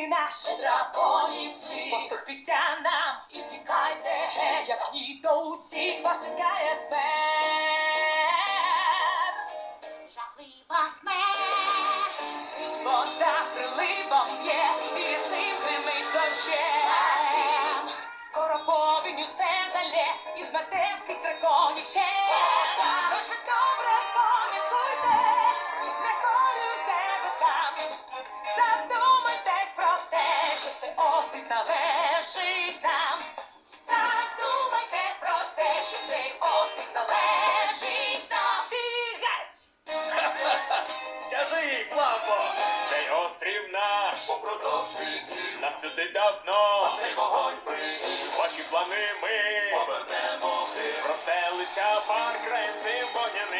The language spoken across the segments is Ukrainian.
Острів наш, драконівці, поступіться нам і тікайте геть, як ні, то усіх вас чекає смерть. Жахлива смерть. Вода приливом є, і рясним гримить дощем. Скоро повінь усе залє, і змете всіх драконів ще. Тож ви добре пам'ятуйте, не колюйте боками. Задумайтесь про те, що цей острів належить нам. Так думайте про те, що цей острів належить нам. Всі геть! Скажи, Фламбо, цей острів наш, Попродовжуйте, нас сюди давно, цей вогонь пригів, ваші плани ми повернемо в тил. простелиться парк краєм цим вогняним.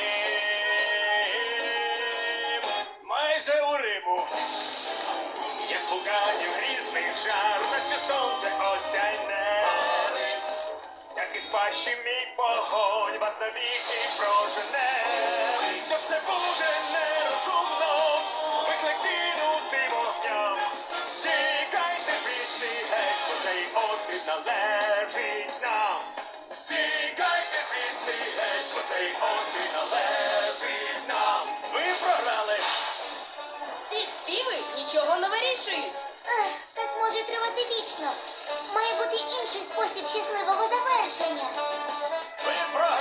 Майже у Риму, як вулканів грізних жар, наче сонце осяйне. Як із пащі мій вогонь вас навіки прожене. Що все буде нерозумно, виклик кинути вогням. Тікайте звідси геть, бо цей острів належить нам. Тікайте звідси геть, бо цей острів належить нам. Ви програли. Ці співи нічого не вирішують. Так може тривати вічно. Має бути інший спосіб щасливого завершення. Ви програли.